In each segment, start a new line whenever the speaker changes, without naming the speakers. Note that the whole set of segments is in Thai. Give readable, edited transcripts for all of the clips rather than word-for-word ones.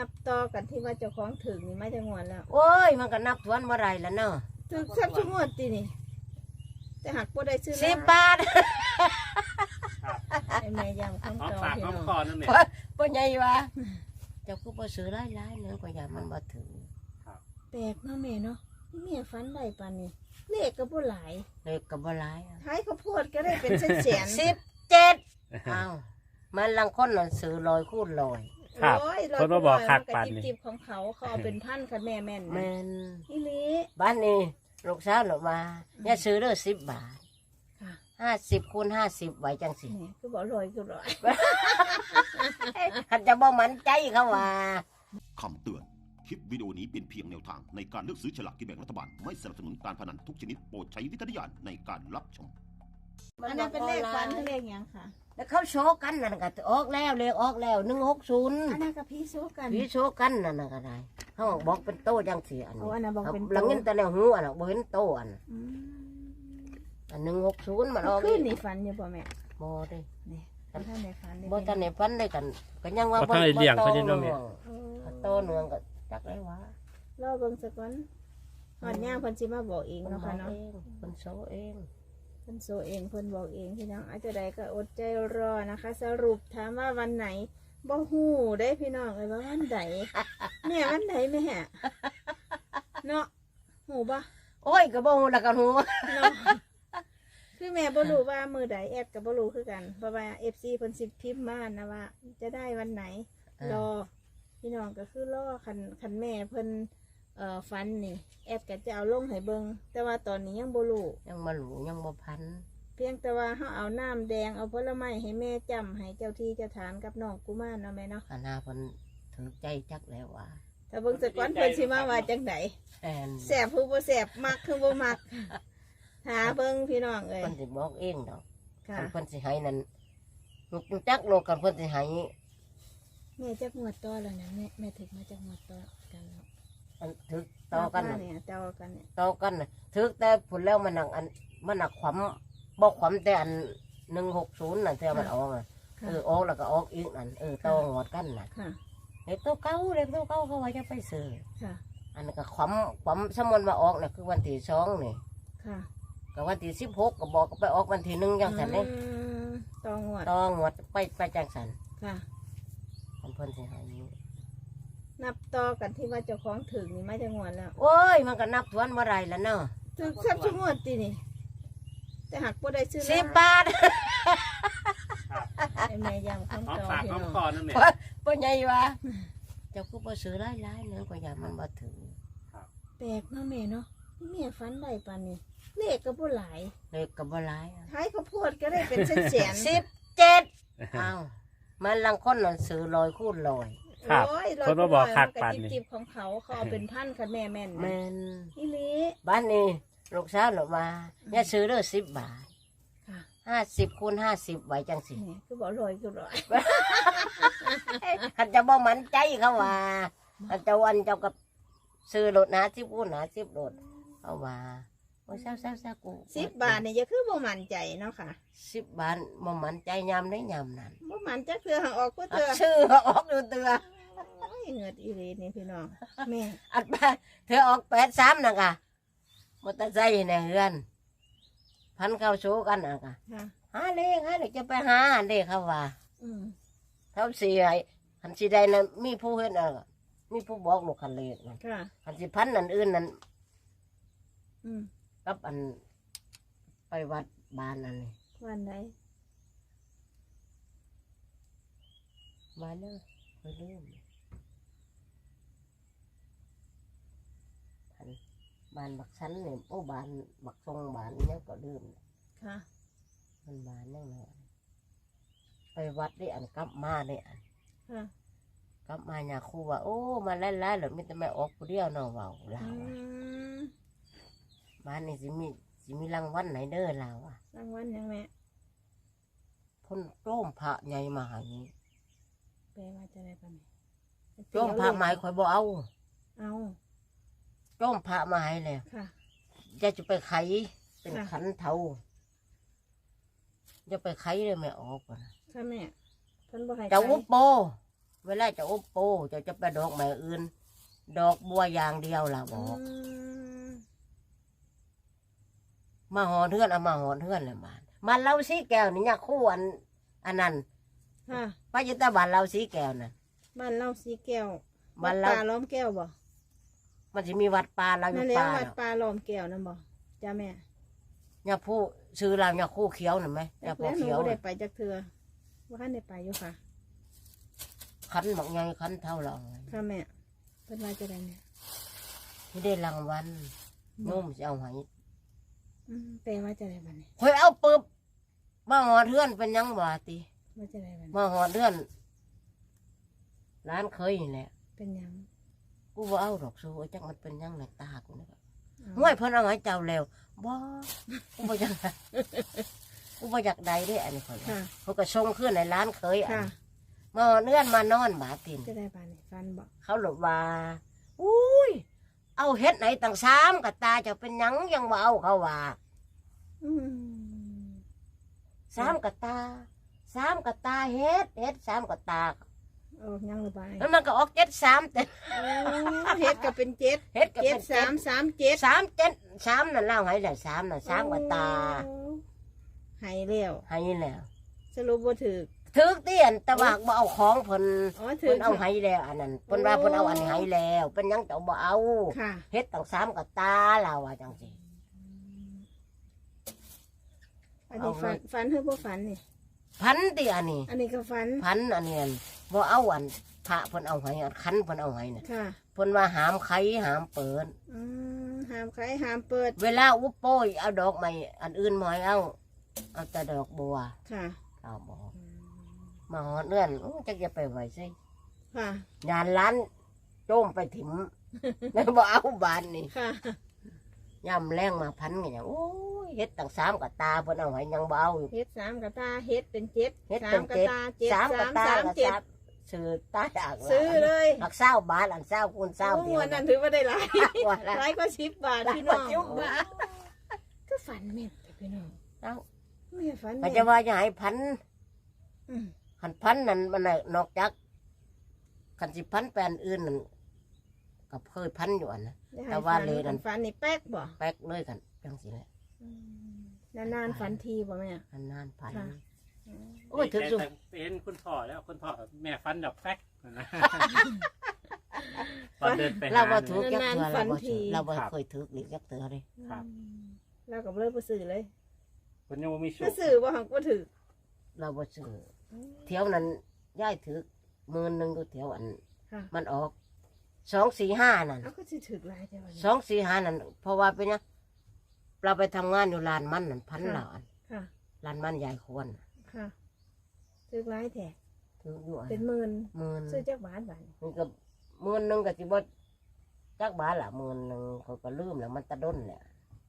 นับต่อกันที่ว่าเจ้าของถึงนี่ไม่จะงวดแล้ว
โอ้ยมันก็นับทวนบ่ได้แล้วเนาะ
ถึงสักชั่วโมงตีนี่แต่หักบ่ได้ซื้อ
10 บาท
ไอ้แม่ยำ
หอม
คำต่อ
ปาก
พี่
หอม
น้อง
คอนั่นแหละ
บ่ใหญ่ว่าเจ้าคือบ่ซื้อหลายๆเนื้อก็อย่ามันบ่ถึง
แปลกเนาะแม่เนาะนี่แม่ฝันได้ปานนี้เลขก็บ่หลาย
เลขก็บ่หลาย
ท้ายข้าวโพดก็ได้เป็นแสน
17อ้าวมันลังคนน่ะซื้อ100คูณ100
ครับ
ร้อย
คนมาบอกคัก
มั
ปาน
ก็
นี่
จิบๆของเขาเอาเป็นพันค่ะแม่แม่น
แม่น
อีหลี
บ้านนี้ลูกสาวหนูมาอย่าซื้อเด้อ10 บาท
ค่ะ
50คูณ50ไว้จังสิ
นี่คือบอกร้อย
คันจะบ่มั่นใจเขาว่า
คำเตือน คลิปวิดีโอนี้เป็นเพียงแนวทางในการเลือกซื้อฉลากกินแบ่งรัฐบาล ไม่สนับสนุนการพนันทุกชนิดโปรดใช้วิจารณญาณในการรับชม
อันนั้นเป็นเลขฝันหรือเลขหยังค่ะ
แล้วเขาโชว์กันนั่นก็ออกแล้วเลขออกแล้ว160
อันนั้นกับพี่โซกัน
พี่โชว์กันนั่นน่ะก็ได้เขาบอกเป็นโตจังสิอัน
เอา
นี้
อันนั้นบอกเป็น
หลังเงินแต่ในหูอันน่ะบ่เห็นโตอัน
อืม
อัน160มันออก
ขึ้นนี่ฝันอยู่ป่ะแม่
บ่ได้
นี่ท่านในฝันนี่
บ่ทันได้ฟันได้กันก็ยังว่า
บ่ทันได้เลี้ยงเขาอยู่เนาะแม่
โตเนืองก็จักได้ว่า
รอเบิ่งสักวันหอดย่างเพิ่นสิมาบอกเอง
เพิ่น
เนาะ
บอ
ค่ะ
ก
เนาะ
เองเพิ่นโชว์เอง
เพิ่นโซเองเพิ่นบอกเองพี่น้องอาจจะใดก็อดใจรอนะคะ สรุปถามว่าวันไหนบ่ฮู้ได้พี่น้องเอ้ยว่าวันใดแม่วันใดแม่เนาะฮู้บ่
โอ้ยก็บ่ฮู้แล้วกันฮู้
เนาะคือแม่บ่รู้ว่ามือใดแอดก็บ่รู้คือกันเพราะว่า FC เพิ่นสิพิมพ์มานะว่า จะได้วันไหน รอพี่น้องก็คือรอคันแม่เพิ่นฟันนี่แอดก็จะเอาลงให้เบิ่งแต่ว่าตอนนี้ยังบ่รู้
ยังมาหลูยังบ่พัน
เพียงแต่ว่าเขาเอาน้ำแดงเอาผลไม้ให้แม่จำให้เจ้าที่เจ้าทานกับน้องกุมารเนาะแม่เนาะ
อาณาเพิ่นถือใจจักแล้วว่า
แต่เบิ่งสะก้อนเพิ่นสิมาว่าจังได
แอน
แสบผู้บ่แสบมักคือบ่มักหาเบิ่งพี่น้องเอ้ย
เพิ่นสิบอกเองดอก
ค่ะ
คันเพิ่นสิให้นั่นลูกจักโลกกันเพิ่นสิให้
แม่จักงวดต่อแล้วนะแม่ถึงมาจักงวดต่อกันแล้ว
อันถือต่อกัน
มา
น่ะ
เนี่ยต่อกันเนี่ย
ต่อกันน่ะถือแต่ผลแล้วมันหนักอันมันหนักขวำบ่ขวำแต่อัน160น่ะที่มันออกน่ะ
ค่ะ
ออกแล้วก็ออกอีกนั่นต่อหอดกันน่ะ
ค่ะ
เด็กตัวเก่าเขาว่าจะไปซื้อ
ค่ะ
อันนั้นก็ขวำสมมุติว่าออกน่ะคือวันที่2นี่
ค่ะ
ก็วันที่16ก็บอกก็ไปออกวันที่1จังซั่นเด้
ต่องวด
ต้องวดไปจังสัน
ค่ะ
เพิ่นสิให้อยู่
นับต่อกันที่ว่าเจ้าของถึงนี่ไม่จะงวดแล้ว
โอ้ยมันก็นับทวนบ่ได้แล้วเนาะ
ถึงสักชั่วโมงตีนี่แต่หักบ่ได้ซื้อ
10 บาท
ไอ้แม่ยำ
หอม
คำต่อ
ปาก
พี่
หอม
น้อง
คอนั่นแหละ
บ่ใหญ่ว่าเจ้าคือบ่ซื้อหลายๆเนื้อก็อย่ามันบ่ถึง
แปลกเนาะแม่เนาะนี่แม่ฝันได้ปานนี้เลขก็บ่หลาย
เลขก็บ่หลาย
ท้ายข้าวโพดก็ได้เป็นแสน
17อ้าวมันลังคนน่ะซื้อ100คูณ100
ครับ
ร้อย
คนมาบอกคัก
มัน
ปาน
ก็
นี่
จิบๆของเขาเอาเป็นพันค่ะแม่แม่น
แม่น
อีหลี
บ้านนี้ลูกสาวหนูมาอย่าซื้อเด้อ10 บาท
ค่ะ
50คูณ50ไว้จังสิ
นี่คือบอกร้อยคือร้อย
คันจะบ่มั่นใจเขาว่าคันเจ้าวันเจ้ากับซื้อรถ50คูณ50รถเขาว่าโอ้ยเศร้าๆกู
10 บาทเนี่ยจะคือบ่มั่นใจเนาะค่ะ
10 บาทบ่มั่นใจยามได้ยามนั้น
บ่มั่นใจเพื่อหางออกเพื่อเตือ
ชื่อออกดูเตือ
โอ้ยเหงือดอีหลีนี่พี่น้องแม่
อัดไปเธอออก83นะกะมอเตอร์ไซค์ในเฮือนพันเข้าโชกันนะกะ
ค่ะ
หาเลขจะไปหาเลขเขาว่า
อืม
เขาสิให้คันสิได้นั้นมีผู้เฮ็ดน่ะมีผู้บอกลูกคันเลขนั่น
ค่ะ
คันสิพันนั่นอื่นนั่น
อืม
กับอันไปวัดบ้านนั่นนี่
วันไหน
บ้านเนี่ยไปลืมพันบ้านบักชั้นเนี่ยโอ้บ้านบักทรงบ้านเนี่ยก็ลืม
ค่ะ
มันบ้านเนี่ยนะไปวัดได้อันกลับมาได้อัน
ค่ะ
กลับมาเนี่ยครูว่าโอ้มาไล่ๆหรือมิแต่ไม่ออกผู้เดียวเนาะเว่าเรา
อื
อะ
ม
บ้านนี่สิมีรางวัลไหนเด้อเราอ่ะ
รางวัลยังแม่
พ่นโจ้มพระใหญ่มาใหานี้
แปลว่าจะได้ปะแม่
โจ้มพระหมายข่อยบ่เอา
เอา
โจ้มพระมาให้เลย
ค่ะ
จะไปไขเป็น
ค่ะ
ขันเทาจะไปไขเลยไม่ออกอะนะ
ค่ะแม่เพิ่นบ่ให้
เจ้า
ใช้
วุโปเวลาจะอบโปจะไปดอกไม้อื่น ดอกบัวอย่างเดียวล่ะบอก
ม
มาหอนเทือนเอามาหอนเทือนเลยมันเราสีแก้วนี่ยคู่อันนั้น
ค่ะ
พระยุทธบาลเราสีแก้วน่ะ
บ้านเราสีแก้ว
บ้าน
วัด
เรา
ป่าล้อมแก้วบ่
มันจะมีวัดป่าเราอ
นั่
ยู่
นแหล้ว
ป่า
วัด
เนาะ
ป่าล้อมแก้วนั่นบ่จ้าแม่
เนี่ยผู้ซื้อเราเนี่ยคู่เขียวน่ะไหมเนี่ย
แล้ว
ผู้
หนู
เขียว
บ่ได้
น่ะ
ไปจักเทื่อว่าท่านได้ไปอยู่ค่ะ
คันบักใหญ่คันเท่าเรา
ค่ะแม่เพิ่นว่าจะได้เนี่ย
ไม่ได้รางวัลโน้มจะเอาให้
แปลว่าจะได้บัดนี้
คอยเอาปึ๊บมาหอนเทือนเป็นหยังบ่ติ
ว่าจะได้บัดนี้
มาหอนเทือนร้านเคยนี่แหละ
เป็นหยัง
กูบ่เอาดอกสู้จักมันเป็นหยังในตากูนี่
เอา
ห้วยเพิ่นเอาให้เจ้าแล้วบ่กูบ่อยากกูบ่อยากได้เด้อันนี้ข่อยว่า
ค่ะ
เขาก็ส่งขึ้นในร้านเคยอั
ค่ะ
นมาเนื่อนมานอนบาติน
จะได้บัดนี้ฟันบ่
เขาหลบว่าอุ้ยเอาเฮ็ดไหนต่าง3กับตาเจะเป็นหยังยังบ่เอาเขาว่า
อืม
3กับตา3กับตาเฮ็ด3กับตา
ออกยังหรือบ่
แล้วมันก็ออก73แต่
โอ้เฮ็ดก็เป็นเจ็ด
เฮ็ดก็
เจ็
เป็
ด
น
สามสามเจ็ด
3นั่นเล่าให้แล้ว3น่ะ3กับตา
โอ้ให้แล้ว
ให้แล้ว
สรุปบ่ถูก
ถึกเตี้ยนแต่ว่าบ่เอาของเพิ่น
อ๋อถู
เพิ่
ก
นเอาให้แล้วอันนั้นเพิ่นว่าเพิ่นเอาอันนี้ให้แล้วเป็นหยังเจ้าบ่เอา
ค่ะ
เฮ็ดตั้ง3กับตาเราว่าจังซี่
อันนี้ฝันเฮ้ยบ่ฝันนี่
พันติอันนี้
อันนี้ก็ฝัน
พันอันนี้อันบ่เอาอันพระเพิ่นเอาให้อันคันเพิ่นเอาให้น่ะ
ค่ะ
เพิ่นว่าหามไขหามเปิด
ห้ามขายห้ามเปิด
เวลาอุปโปยเอาดอกไม้อันอื่นมาให้เอาแต่ดอกบัว
ค่ะ
เอาบอกมาหอดเนื่อนจักจะไปไหวซิ
ค่ะ
งานร้านโจมไปถิ่ม แล้วบ่เอาบานนี่
ค่ะ
ย่ำแรงมาพันกันอย่างโอ้ยเฮ็ดตั้ง3กับตาเพิ่นเอาให้ยังบ่เอาอยู่
เฮ็ดสามกระตาเฮ็ดเป็นเจ็ด
เฮ็ด
สา
เป็
ม
น
กระ
เจ็ด
ตาเจ็ด
3กับตา
สาม
กับ
เจ็ด
ซื้อตาจาก
ซื้อเลย
หัก20 บาทอัน20คูณ20
โอ้
เดียว
วันนั้นถือว่าได้หลาย
ว่าละ
หลายกว่า10 บาทพี่น้อง
หลายกว่า10 บาท
ก็ฝันแม่นแต่พี่น้อง
เอ้า
ไม่ฝัน
มั
แม่
น
น
จะว่าจะให้พัน
อืม
คันพันนั่นมันน่ะนอกจากคันสิพันแปลนอื่นนั่นก็เคยพันอยู่อันนะ
ได้ให้
แต่ว่าเลยนั่น
ฝันนี่แป๊กบ่
แป๊กเลยกันจังสิแหละ
นานๆฝันทีบ่แม่
นานๆพัน
ค่ะ
โอ้ยถึงสุด
แต่เป็นคุณพ่อแล้วคุณพ่อแม่ฟันดอกแป๊กนะตอนเดินไปหา
เราบ่ถูก
เนี่ย
ยักเถื่อ
ฝั
เรา
น
บ่
ที
ถูกเราบ่เคยถูกหรือยักเถื่อเลย
ครับ
เราก็เลยบ่ซื้อเลย
คุณยังบ่มีโช
บ่
ค
ซื้อบ่หักบ่ถือ
เราบ่ซื้อเที่ยวนั้นย้ายถือ10,000นึงอยู่เที่ยวอัน
ค่ะ
มันออก245นั่น
เอาก็สิถือหลายแต่วันนี้
245นั่นเพราะว่าเป็นหยังเราไปทำงานอยู่ลานมันนั่นพัน
ค่ะ
ละอัน
ค่ะ
ลานมันยายควรน่ะ
ค่ะถือหลายแท้
ถืออยู่อัน
เป็นหมื่น
10,000
ซื้อจักบาทบาท
มันก็10,000นึงก็สิบ่จักบาทละ10,000เขาก็ลืมแล้วมันตะด้นแหละ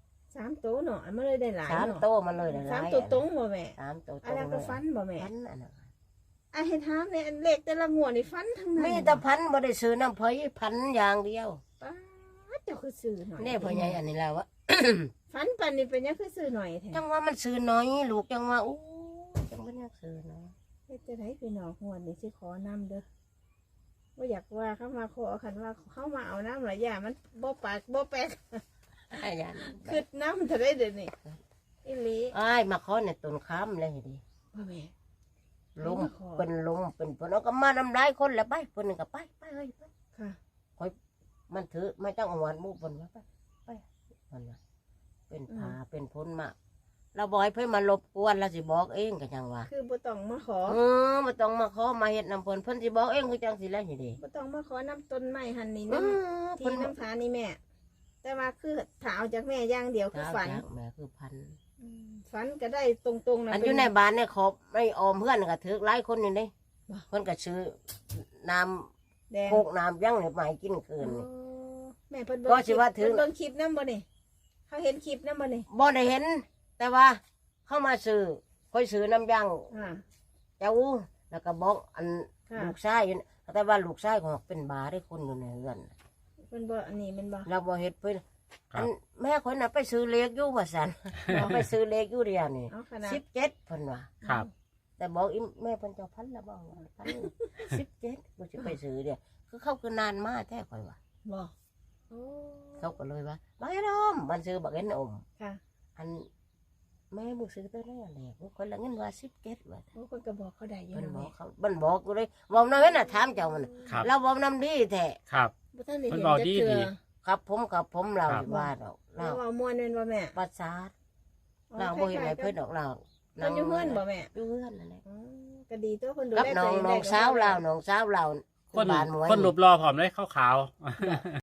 3 โตเนาะมันเลยได้หลาย
3
เนาะ
โตมันเลยได้หลาย
3 ตัวตรงบ่แม่
3โตต
อัน
รง
นั้น
เล
ก็
ย
ฟันบ่แม่
พันอันนั้น
อ่ะให้ถามเนี่ยอันเลขแต่ละงวดนี่ฟันทั้งนั้น
มีแต่พันบ่ได้ซื้อน้ำเพยพันอย่างเดียว
ป้าดเจ้าคือซื้อหน่อย
นี่พ่อใหญ่อันนี้แล้ววะ
ฟันปันนี่เป็นยังคือซื้อหน่อยแท้
จังว่ามันซื้อน้อยลูกจังว่าอู้จังว่าอยากซื้อน้อย
เฮ็ดจะได้พี่น้องงวดนี่สิขอนำเด้อบ่อยากว่าเขามาขอคันว่าเขามาเอาน้ำหลายอย่างมันบ่ปากบ่แป๊ก
อายัน
คือน้ำจะได้เดี๋ยวนี้อีหลี
อ้ายมาขอในต้นค้ำเลยดิ
บ่แม่
ลม
มาขอ
เป็นลมเป็นฝนเอาก็มาน้ำลายคนแล้วไปคนหนึ่งก็ไปเฮ้ยไป
ค่ะ
มันถือไม่ต้องเอาหวานหมูปนว่าไปมันว่าเป็นผาเป็นพ้นมาเราบอกให้เพื่อนมารบกวนเราสิบอกเองก็จังว่า
คือบ่ต้องมาขอ
มาต้องมาขอมาเห็ดน้ำเพิ่นเพิ่นสิบอกเองคือจังสิแล้วนี่ดิ
บ่ต้องมาขอน้ำต้นไม้หันนี่
เพิ่
น้ำที่น้ำผานี่แม่ แต่ว่าคือถ้าเอาจากแม่อย่างเดียวคือฝัน
แม่คือพัน
ฝันก็ได้ตรงๆนะ
อันอยู่ในบ้านเนี่ยขอบไม่ออมเพื่อนก็ถือหลายคนอยู่นี่
บ่
เพิ่นก็ซื้อน้
แดง
ำโคกน้ำยังเนี่ยมาให้กินคืนนี่
อ๋อแม่เพิ่น
ก็สิว่าถึง
เพิ่นเบิ่งคลิปนำบ่นี่เขาเห็นคลิปนำบ่นี่
บ่ได้เห็น แต่ว่าเข้ามาซื้อค่อยซื้อน้ำยัง
อ่า
เจ้าแล้วก็บอกอัน
ค่ะ
ลูกชายอยู่แต่ว่าลูกชายของเป็นบาได้คนอยู่ในเรือน
เพิ่นบ่อันนี้แมันบ่
เราบ่เฮ็ดเพิ่น
ครั
อั
บ
นแม่คนน่ะไปซื้อเลขอยู่ว่าซั่น เอาไปซื้อเลขอยู่เดียวนี่
เอาขนาด
17เพิ่นว่า
ครับ
แต่บอกอีแม่เพิ่นเจ้าพันละบ่พัน17บ่สิไปซื้อเด้คือเขาคือนานมาแท้ข่อยว่า
บ่โอ้
เขาก็เลยว่าบักเอ็นอมมันซื้อบักเอ็นอม
ค่ะ
อันแม่มึงซื้อตัวนั้นแหละมึงคนละเงินว่า17ว่า
โอ้คนก็บอกเขาได้อยู่
เพิ่น
นะ
บอ
แม่
กเขาเพิ่นบอกกูเลยบอกนำเว้นน่ะถามเจ้ามันน่ะ
ครับ
เราบอกนำดีแท้
ครับ
บ่ทันได้
เพิ่
เห็
น
น
บอก
จัก
ดี
เทื่อ
ดี
ครับผมเรา
ครับ
ว่าดอก
เรา
เรา
เอาม่วนแม่นบ่แม่
ประสาท
อ๋อ
เราบ่เห็น
ค
ให้
ล้ายๆ
เพิ่นดอกเรา
เพิ่นอยู่เฮือนบ่แม่
อยู่เฮือนนั่นแหละ
อ๋อก็ดีตัวเพิ่นดู
กับ
แล
น้
ตั
อ
ว
ง
เอง
น้
ได้
องสาวเราน้องสาวเรา
คน
บ้านหมวย
คนรูปรอผอมเลยขาว